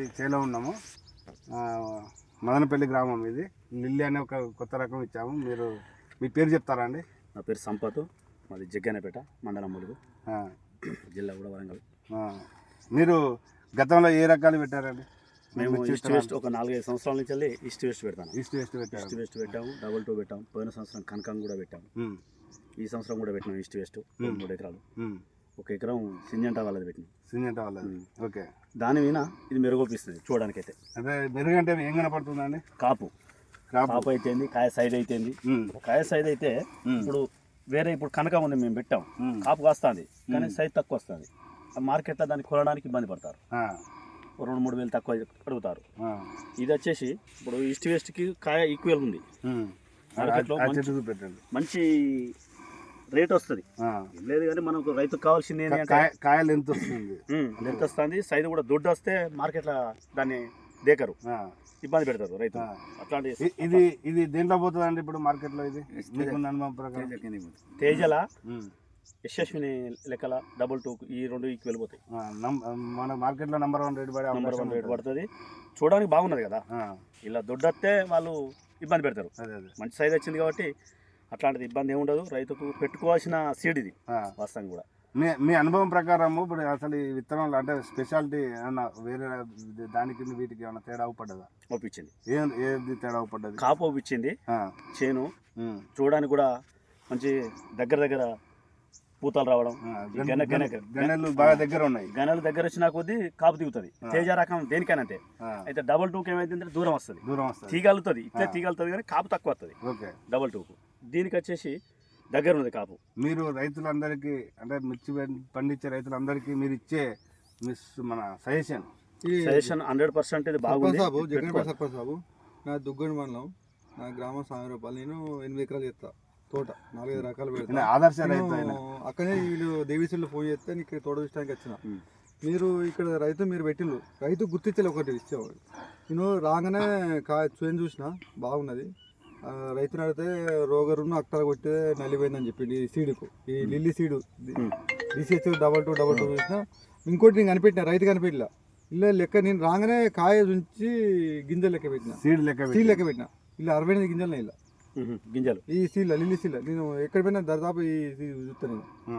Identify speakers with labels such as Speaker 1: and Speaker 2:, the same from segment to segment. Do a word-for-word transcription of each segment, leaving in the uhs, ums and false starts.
Speaker 1: చేలో ఉన్నాము. మదనపల్లి గ్రామం ఇది. లిల్లీ అనే ఒక కొత్త రకం ఇచ్చాము. మీరు మీ పేరు చెప్తారా అండి?
Speaker 2: నా పేరు సంపత్, మాది జగ్గన్నపేట మండలం ములుగు, జిల్లా కూడా వరంగల్.
Speaker 1: మీరు గతంలో ఏ రకాలు పెట్టారండి?
Speaker 2: మేము ఈస్ట్ వెస్ట్ ఒక నాలుగైదు సంవత్సరాల నుంచి వెళ్ళి ఈస్ట్ వెస్ట్ పెడతాను.
Speaker 1: ఈస్ట్ వెస్ట్ పెట్టాము
Speaker 2: ఈస్ట్ వెస్ట్ పెట్టాము, డబల్ టూ పెట్టాము. పోయిన సంవత్సరం కనకం కూడా పెట్టాము. ఈ సంవత్సరం కూడా పెట్టినాం ఈస్ట్ వెస్ట్ మూడు ఎకరాలు. ఒక ఎకరం సింజంటా వాళ్ళది పెట్టినాం.
Speaker 1: సింజంటా వాళ్ళది. ఓకే.
Speaker 2: దాని మీద ఇది మెరుగొప్పిస్తుంది చూడడానికైతే.
Speaker 1: అంటే మెరుగు అంటే ఏం కనపడుతుందండి?
Speaker 2: కాపు కాపు అయితేంది, కాయ సైజ్ అయితేంది. కాయ సైజ్ అయితే ఇప్పుడు వేరే ఇప్పుడు కనకం ఉంది మేము పెట్టాం, కాపు కాస్తుంది కానీ సైజ్ తక్కువ వస్తుంది. మార్కెట్లో దాన్ని కొనడానికి ఇబ్బంది పడతారు, రెండు మూడు వేలు తక్కువ అడుగుతారు. ఇది వచ్చేసి ఇప్పుడు ఈస్ట్ వెస్ట్కి కాయ ఈక్వల్ ఉంది, మార్కెట్లో మంచి రేట్ వస్తుంది. లేదు కానీ మనకు రైతుకు కావాల్సింది ఏంటంటే
Speaker 1: కాయలు ఎంత వస్తుంది,
Speaker 2: ఎంత వస్తుంది, సైజు కూడా దొడ్డు వస్తే మార్కెట్లో దాన్ని దేకరు, ఇబ్బంది పెడతారు రైతు. అట్లాంటి
Speaker 1: ఇది ఇది దేంట్లో పోతుంది అండి ఇప్పుడు మార్కెట్లో? ఇది అనుభవం ప్రకారం
Speaker 2: తేజల యశస్విని లెక్కల డబుల్ టూ ఈ రెండు ఈకి వెళ్ళిపోతాయి.
Speaker 1: మన మార్కెట్లో నెంబర్ వన్ రేట్ పడే
Speaker 2: నెంబర్ వన్ రేట్ పడుతుంది. చూడడానికి బాగున్నది కదా, ఇలా దొడ్డొస్తే వాళ్ళు ఇబ్బంది పెడతారు. మంచి సైజ్ వచ్చింది కాబట్టి అట్లాంటిది ఇబ్బంది ఏమి ఉండదు. రైతుకు పెట్టుకోవాల్సిన సీడ్ ఇది వాస్తవం కూడా.
Speaker 1: మీ మీ అనుభవం ప్రకారం ఇప్పుడు అసలు ఈ విత్తనాలు అంటే స్పెషాలిటీ ఏమన్నా వేరే దానికి వీటికి ఏమైనా తేడా అవుపడ్డదా?
Speaker 2: ఒప్పించింది.
Speaker 1: ఏం ఏది తేడా అవుపడ్డది?
Speaker 2: కాపు ఒప్పించింది, చేను చూడడానికి కూడా మంచి దగ్గర దగ్గర పూతలు రావడం,
Speaker 1: గనెలు బాగా దగ్గర ఉన్నాయి.
Speaker 2: గనెలు దగ్గర వచ్చినా కొద్దీ కాపు దిగుతుంది. తేజ రకం దేనికైనా అంతే. అయితే డబల్ టూకి ఏమైందంటే దూరం వస్తుంది,
Speaker 1: దూరం వస్తుంది,
Speaker 2: తీగలుతుంది, ఇట్లా తీగలుతుంది కానీ కాపు తక్కువ వస్తుంది డబల్ టూకు. దీనికి వచ్చేసి దగ్గర ఉంది కాపు.
Speaker 1: మీరు రైతులందరికీ అంటే మిర్చి పండించే రైతులందరికీ మీరు ఇచ్చే మిస్ మన సజెషన్
Speaker 2: సజెషన్ హండ్రెడ్ పర్సెంట్ ఇది బాగుంది.
Speaker 3: సర్పంచ్ బాబు, నా దుగ్గడి మండలం, నా గ్రామం సాయం రూపాయలు. నేను ఎనిమిది ఎకరాలు చేస్తా తోట, నాలుగైదు రకాలు పెడతా.
Speaker 1: ఆదర్శ రైతు
Speaker 3: అక్కడే వీళ్ళు దేవీసులు ఫోన్ చేస్తే నీకు తోట చూసడానికి వచ్చిన. మీరు ఇక్కడ రైతు మీరు పెట్టిండ్రు, రైతు గుర్తించలే ఒకటి ఇచ్చేవాడు. నేను రాగానే కా చూని చూసిన బాగున్నది. రైతుని అడిగితే రోగరును అక్కడ కొట్టే నలిపోయిందని చెప్పింది. ఈ సీడుకు ఈ lily seed DCH double two double two చూసిన. ఇంకోటి నేను కనిపెట్టిన, రైతు కనిపెట్టిన ఇలా లెక్క. నేను రాగానే కాయ ఉంచి గింజలు లెక్క పెట్టిన,
Speaker 1: సీడ్ లెక్క
Speaker 3: సీడ్ లెక్క పెట్టిన. ఇలా అరవై ఎనిమిది గింజలు ఇలా
Speaker 2: గింజలు
Speaker 3: ఈ సీల లిల్లీ సీల. నేను ఎక్కడ పోయినా దాదాపు ఈ చూస్తాను.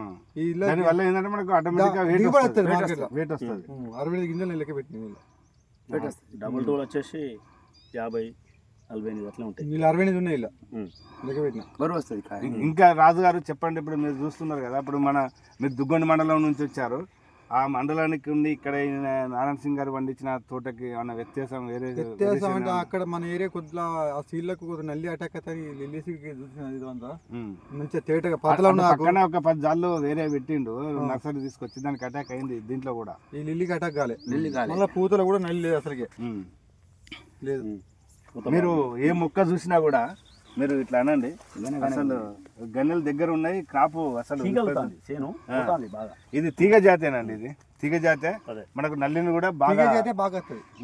Speaker 3: అరవై ఐదు గింజలు లెక్క పెట్టిన.
Speaker 2: డబుల్ టూ వచ్చేసి యాభై నలభై ఎనిమిది అట్లా ఉంటాయి.
Speaker 3: వీళ్ళు అరవై ఎనిమిది ఉన్నాయి ఇలా లెక్క పెట్టిన బరువు వస్తుంది.
Speaker 1: ఇంకా రాజుగారు చెప్పండి, ఇప్పుడు మీరు చూస్తున్నారు కదా, ఇప్పుడు మన మీరు దుగ్గొండి మండలం నుంచి వచ్చారు. ఆ మండలానికి ఉండి ఇక్కడ నారాయణ సింగ్ గారు పండించిన తోటకి ఏమన్నా వ్యత్యాసం? వేరే
Speaker 3: వ్యత్యాసం అంటే అక్కడ మన ఏరియా కొద్దిగా ఆ సీడ్లకు కొద్దిగా నల్లి అటాక్ అవుతాయి. లిల్లీ సీడ్కి చూసిన ఇదంతా మంచిగా తేటగా పాతలో
Speaker 1: పక్కన ఒక పది జాళ్ళు వేరే పెట్టిండు, నర్సరీ తీసుకొచ్చి దానికి అటాక్ అయింది. దీంట్లో కూడా
Speaker 3: ఈ లిల్లీకి అటాక్ కాలే. మళ్ళీ పూతలో కూడా నల్లి లేదు అసలుకే లేదు.
Speaker 1: మీరు ఏ మొక్క చూసినా కూడా మీరు ఇట్లా అనండి, అసలు గన్నెల దగ్గర ఉన్నాయి, క్రాపు అసలు ఇది తీగ జాతేనండి. ఇది తీగ జాతే మనకు నల్లిని కూడా బాగా
Speaker 3: బాగా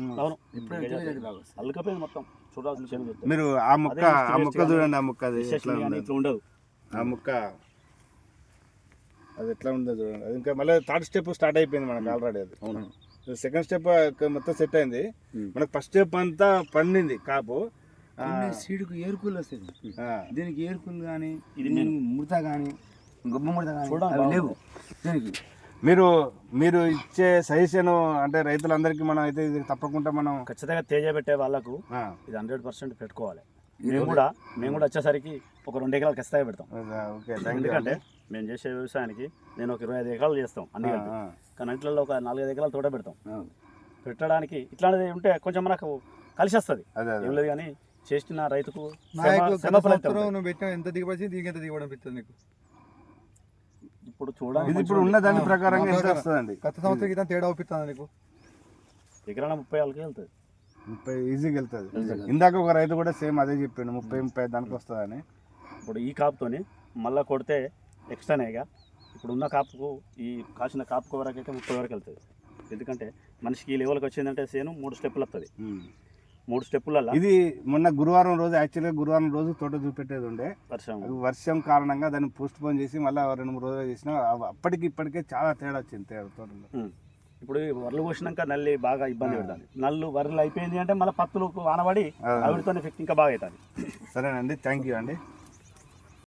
Speaker 1: మీరు ఆ మొక్క ఆ మొక్క చూడండి, ఆ మొక్క అది ఎట్లా ఉండదు, ఆ మొక్క అది ఎట్లా ఉండదు చూడండి. అది ఇంకా మళ్ళీ థర్డ్ స్టెప్ స్టార్ట్ అయిపోయింది మనకు ఆల్రెడీ. అది సెకండ్ స్టెప్ మొత్తం సెట్ అయింది. మనకు ఫస్ట్ స్టెప్ అంతా పండింది కాపు.
Speaker 4: సీడుకు ఏరుకులు వస్తుంది, దీనికి ఏరుకులు కానీ ముడత కానీ గొప్ప ముడత కానీ లేవు దీనికి.
Speaker 1: మీరు మీరు ఇచ్చే సజెషన్ అంటే రైతులందరికీ మనం అయితే ఇది తప్పకుండా మనం
Speaker 2: ఖచ్చితంగా తేజ పెట్టే వాళ్ళకు ఇది హండ్రెడ్ పర్సెంట్ పెట్టుకోవాలి. మేము కూడా మేము కూడా వచ్చేసరికి ఒక రెండు ఎకరాలు ఖచ్చితంగా పెడతాం. ఎందుకంటే మేము చేసే వ్యవసాయానికి నేను ఒక ఇరవై ఐదు ఎకరాలు చేస్తాం అన్ని కలిపి, కానీ ఇంట్లో ఒక నాలుగైదు ఎకరాలు తోట పెడతాం. పెట్టడానికి ఇట్లాంటిది ఉంటే కొంచెం మనకు కలిసి వస్తుంది, ఏం లేదు. కానీ చేసిన రైతుకు
Speaker 3: నువ్వు పెట్టిన ఎంత దిగబడి దీనికి ఎంత దిగబడి అనిపిస్తుంది నీకు?
Speaker 2: ఇప్పుడు చూడండి,
Speaker 1: ఇప్పుడు ఉన్న దాని ప్రకారం వస్తుందండి.
Speaker 3: గత సంవత్సరం క్రితం తేడా అవుపిస్తుంది నీకు.
Speaker 2: ఎకరాన ముప్పై వాళ్ళకి వెళ్తుంది,
Speaker 1: ముప్పై ఈజీగా వెళ్తుంది. ఇందాక ఒక రైతు కూడా సేమ్ అదే చెప్పిండు, ముప్పై ముప్పై దానికి వస్తుందని.
Speaker 2: ఇప్పుడు ఈ కాపుతోని మళ్ళీ కొడితే ఎక్స్ట్రానేగా ఇప్పుడు ఉన్న కాపుకు ఈ కాసిన కాపుకు వరకు అయితే ముప్పై వరకు వెళ్తుంది. ఎందుకంటే మనిషికి ఈ లెవెల్కి వచ్చిందంటే సేను మూడు స్టెప్పులు వస్తుంది. మూడు స్టెప్పులలో
Speaker 1: ఇది మొన్న గురువారం రోజు యాక్చువల్గా గురువారం రోజు తోట చూపెట్టేది ఉండే,
Speaker 2: వర్షం
Speaker 1: వర్షం కారణంగా దాన్ని పోస్ట్ పోన్ చేసి మళ్ళీ రెండు మూడు రోజులు చేసినా అప్పటికి ఇప్పటికే చాలా తేడా వచ్చింది తేడా తోటలో.
Speaker 2: ఇప్పుడు వరలు కోసినాక నల్లి బాగా ఇబ్బంది పెడుతుంది. నల్లు వరలు అయిపోయింది అంటే మళ్ళీ పత్తులు ఆనబడి ఆవిడతో ఎఫెక్ట్ ఇంకా బాగా అవుతుంది.
Speaker 1: సరేనండి, థ్యాంక్ యూ అండి.